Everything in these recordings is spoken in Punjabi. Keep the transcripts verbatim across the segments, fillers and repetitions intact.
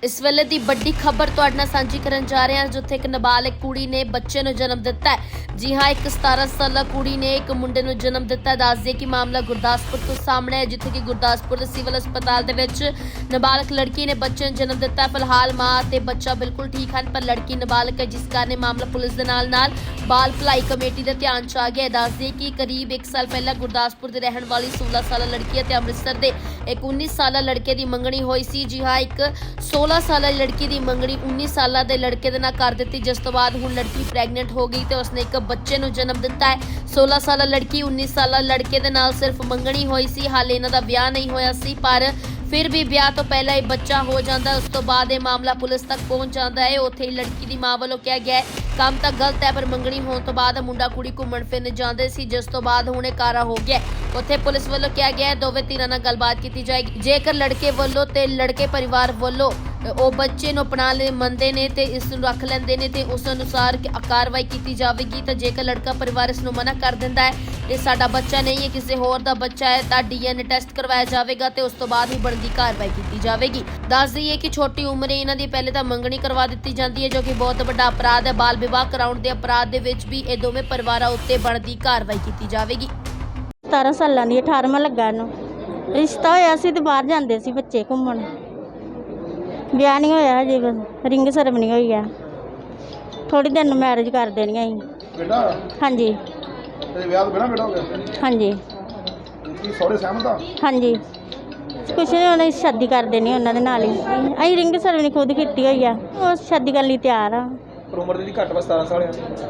इस वेले दी बड़ी खबर तुहाडे नाल सांझी करन जा रहे हैं, जिथे एक नाबालिग कुड़ी ने बच्चे नूं जन्म दिता है। जी हाँ, एक सतारह साला कुड़ी ने एक मुंडे नूं जन्म दिता है। दस दिए कि मामला गुरदासपुर तो सामने है, जिथे कि गुरदासपुर के सिविल अस्पताल दे विच नाबालिग लड़की ने बच्चे नूं जन्म दिता है। फिलहाल मां ते बच्चा बिल्कुल ठीक हैं, पर लड़की नाबालिग है, जिस कारण मामला पुलिस दे नाल नाल बाल भलाई कमेटी दे ध्यान च आ गया। दस दिए कि करीब एक साल पहला गुरदासपुर दे रहण वाली सोलह साला लड़की है ते अमृतसर दे एक उन्नीस साला लड़के दी मंगणी होई सी। जी हाँ, एक सोलह साला लड़की दी मंगणी उन्नीस साला दे लड़के दे नाल कर दित्ती, जिस तो बाद हुण लड़की प्रैगनेंट हो गई ते उसने एक बच्चे नूं जन्म दिता है। सोलह साला लड़की उन्नीस साला लड़के दे नाल सिर्फ मंगणी होई सी, हाले इन्हां दा विआह नहीं होया सी, पर फिर भी विआह तो पहला ही बच्चा हो जाता है। उस तो बाद ये मामला पुलिस तक पहुंच जाता है। उत्थे लड़की की मां वालों कहा गया है काम तो गलत है, पर मंगणी होने तो बाद मुंडा कुड़ी घूमण फिरन जाते सी, जिस तो बाद हुणे कारा हो गया। उत्थे पुलिस वालों कहा गया है दोवें धਿਰਾਂ ਨਾਲ गलबात की जाएगी। जेकर लड़के वालों ते लड़के परिवार वालों ਉਹ ਬੱਚੇ ਨੂੰ ਅਪਣਾ ਲੈ ਮੰਨਦੇ ਨੇ ਤੇ ਇਸ ਨੂੰ ਰੱਖ ਲੈਂਦੇ ਨੇ ਤੇ ਉਸ ਅਨੁਸਾਰ ਕਾਰਵਾਈ ਕੀਤੀ ਜਾਵੇਗੀ। ਤਾਂ ਜੇਕਰ ਲੜਕਾ ਪਰਿਵਾਰ ਇਸ ਨੂੰ ਮਨਾ ਕਰ ਦਿੰਦਾ ਹੈ ਇਹ ਸਾਡਾ ਬੱਚਾ ਨਹੀਂ ਹੈ, ਕਿਸੇ ਹੋਰ ਦਾ ਬੱਚਾ ਹੈ, ਤਾਂ ਡੀਐਨਏ ਟੈਸਟ ਕਰਵਾਇਆ ਜਾਵੇਗਾ ਤੇ ਉਸ ਤੋਂ ਬਾਅਦ ਹੀ ਬਣਦੀ ਕਾਰਵਾਈ ਕੀਤੀ ਜਾਵੇਗੀ। ਦੱਸ ਦਈਏ ਕਿ ਛੋਟੀ ਉਮਰੇ ਇਹਨਾਂ ਦੀ ਪਹਿਲੇ ਤਾਂ ਮੰਗਣੀ ਕਰਵਾ ਦਿੱਤੀ ਜਾਂਦੀ ਹੈ, ਜੋ ਕਿ ਬਹੁਤ ਵੱਡਾ ਅਪਰਾਧ ਹੈ। ਬਾਲ ਵਿਵਾਹ ਕਰਾਉਣ ਦੇ ਅਪਰਾਧ ਦੇ ਵਿੱਚ ਵੀ ਇਹ ਦੋਵੇਂ ਪਰਿਵਾਰਾਂ ਉੱਤੇ ਬਣਦੀ ਕਾਰਵਾਈ ਕੀਤੀ ਜਾਵੇਗੀ। ਸਤਾਰਾਂ ਸਾਲਾਂ ਦੀ ਅਠਾਰਵਾਂ ਲੱਗਾ ਨੂੰ ਰਿਸ਼ਤਾ ਹੋਇਆ ਸੀ ਤੇ ਬਾਹਰ ਜਾਂਦੇ ਸੀ ਬੱਚੇ ਘੁੰਮਣ। ਵਿਆਹ ਨਹੀਂ ਹੋਇਆ ਹਜੇ, ਬਸ ਰਿੰਗ ਸੈਰਮਨੀ ਹੋਈ ਆ। ਥੋੜੀ ਦਿਨ ਨੂੰ ਮੈਰਿਜ ਕਰ ਦੇਣੀ ਅਸੀਂ। ਬੇਟਾ ਹਾਂਜੀ ਤੇ ਵਿਆਹ ਤੋਂ ਬਿਨਾਂ ਬੇਟਾ ਹੋ ਗਿਆ? ਹਾਂਜੀ। ਕੀ ਸਹੁਰੇ ਸਹਿਮਤ ਆ? ਹਾਂਜੀ, ਕੁਛ ਨਹੀਂ, ਉਹਨੇ ਸ਼ਾਦੀ ਕਰ ਦੇਣੀ ਉਹਨਾਂ ਦੇ ਨਾਲ ਹੀ। ਅਸੀਂ ਰਿੰਗ ਸੈਰਮਨੀ ਖੁਦ ਕੀਤੀ ਹੋਈ ਆ, ਉਹ ਸ਼ਾਦੀ ਕਰਨ ਲਈ ਤਿਆਰ ਆ। ਪਰ ਉਮਰ ਦੀ ਘੱਟ ਵਾ ਸਤਾਰਾਂ ਸਾਲ ਆ।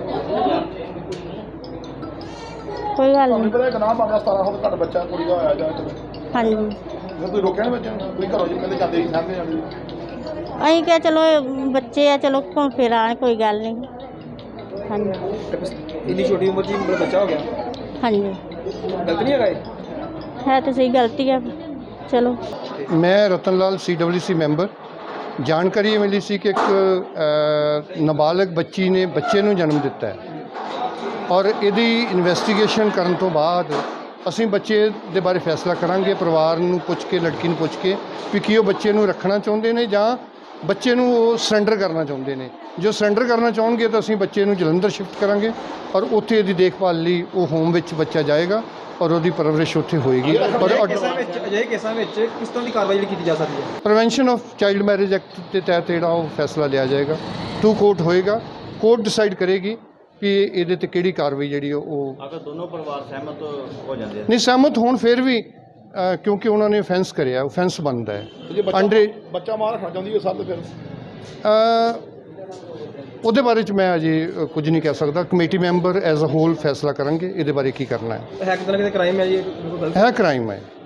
ਕੋਈ ਗੱਲ ਤੁਹਾਨੂੰ ਨਹੀਂ। ਪਤਾ ਇੱਕ ਨਾਮ ਆਉਂਦਾ ਸਤਾਰਾਂ ਸਾਲ ਘੱਟ ਬੱਚਾ ਕੁੜੀ ਦਾ ਹੋਇਆ ਜਾਂ ਹਾਂਜੀ, ਜੇ ਤੁਸੀਂ ਰੋਕਿਆ ਨਾ ਬੱਚੇ ਨੂੰ, ਤੁਸੀਂ ਘਰੋਂ ਜੀ ਕਹਿੰਦੇ ਜਾਂਦੇ ਹੀ ਸਾਹਮਣੇ ਜਾਂਦੇ। ਅਸੀਂ ਕਿਹਾ ਚਲੋ ਬੱਚੇ ਆ, ਚਲੋ ਘੁੰਮ ਫਿਰ ਆਉਣ, ਕੋਈ ਗੱਲ ਨਹੀਂ। ਹਾਂਜੀ ਇੰਨੀ ਛੋਟੀ ਉਮਰ 'ਚ ਹੀ ਮੇਰਾ ਬੱਚਾ ਹੋ ਗਿਆ, ਹਾਂਜੀ, ਗਲਤ ਨਹੀਂ ਹੈਗਾ ਇਹ? ਹੈ ਤਾਂ ਸਹੀ, ਗਲਤੀ ਆ। ਚਲੋ मैं रतन लाल सी डब्ल्यू सी मैंबर। जानकारी ये मिली सी कि एक अ, नाबालिग बच्ची ने बच्चे ਨੂੰ जन्म दिता है और ਇਹਦੀ ਇਨਵੈਸਟੀਗੇਸ਼ਨ ਕਰਨ ਤੋਂ ਬਾਅਦ ਅਸੀਂ ਬੱਚੇ ਦੇ ਬਾਰੇ ਫੈਸਲਾ ਕਰਾਂਗੇ। ਪਰਿਵਾਰ ਨੂੰ ਪੁੱਛ ਕੇ, ਲੜਕੀ ਨੂੰ ਪੁੱਛ ਕੇ ਵੀ ਕੀ ਉਹ ਬੱਚੇ ਨੂੰ ਰੱਖਣਾ ਚਾਹੁੰਦੇ ਨੇ ਜਾਂ ਬੱਚੇ ਨੂੰ ਉਹ ਸਰੈਂਡਰ ਕਰਨਾ ਚਾਹੁੰਦੇ ਨੇ। ਜੋ ਸਰੈਂਡਰ ਕਰਨਾ ਚਾਹਣਗੇ ਤਾਂ ਅਸੀਂ ਬੱਚੇ ਨੂੰ ਜਲੰਧਰ ਸ਼ਿਫਟ ਕਰਾਂਗੇ ਔਰ ਉੱਥੇ ਇਹਦੀ ਦੇਖਭਾਲ ਲਈ ਉਹ ਹੋਮ ਵਿੱਚ ਬੱਚਾ ਜਾਏਗਾ ਔਰ ਉਹਦੀ ਪਰਵਰਿਸ਼ ਉੱਥੇ ਹੋਏਗੀ। ਔਰ ਅਜਿਹੇ ਕੇਸਾਂ ਵਿੱਚ ਕਿਸ ਤਰ੍ਹਾਂ ਦੀ ਕਾਰਵਾਈ ਜਿਹੜੀ ਕੀਤੀ ਜਾ ਸਕਦੀ ਹੈ? Prevention of child marriage act ਦੇ ਤਹਿਤ ਜਿਹੜਾ ਉਹ ਫੈਸਲਾ ਲਿਆ ਜਾਏਗਾ। ਟੂ ਕੋਰਟ ਹੋਏਗਾ, ਕੋਰਟ ਡਿਸਾਈਡ ਕਰੇਗੀ ਵੀ ਇਹਦੇ ਤੇ ਕਿਹੜੀ ਕਾਰਵਾਈ ਜਿਹੜੀ ਉਹ। ਅਗਰ ਦੋਨੋਂ ਪਰਿਵਾਰ ਸਹਿਮਤ ਹੋ ਜਾਂਦੇ ਨਹੀਂ ਸਹਿਮਤ ਹੋਣ ਫਿਰ ਵੀ ਅ, ਕਿਉਂਕਿ ਉਹਨਾਂ ਨੇ offence ਕਰਿਆ, offence ਬਣਦਾ ਹੈ। ਜੇ ਬੱਚਾ ਅੰਡਰ ਬੱਚਾ ਮਾਂ ਰੱਖਣਾ ਚਾਹੁੰਦੀ ਹੈ ਸਭ ਤੋਂ ਫਿਰ ਅ, ਉਹਦੇ ਬਾਰੇ 'ਚ ਮੈਂ ਅਜੇ ਅ, ਕੁਝ ਨਹੀਂ ਕਹਿ ਸਕਦਾ। Committee member as a whole ਫੈਸਲਾ ਕਰਾਂਗੇ ਇਹਦੇ ਬਾਰੇ ਕੀ ਕਰਨਾ ਹੈ। ਹੈ ਕਿਤੇ ਨਾ ਕਿਤੇ ਕ੍ਰਾਈਮ ਹੈ ਜੀ, ਇਹ ਬਿਲਕੁਲ ਗਲਤ ਹੈ ਕ੍ਰਾਈਮ ਹੈ।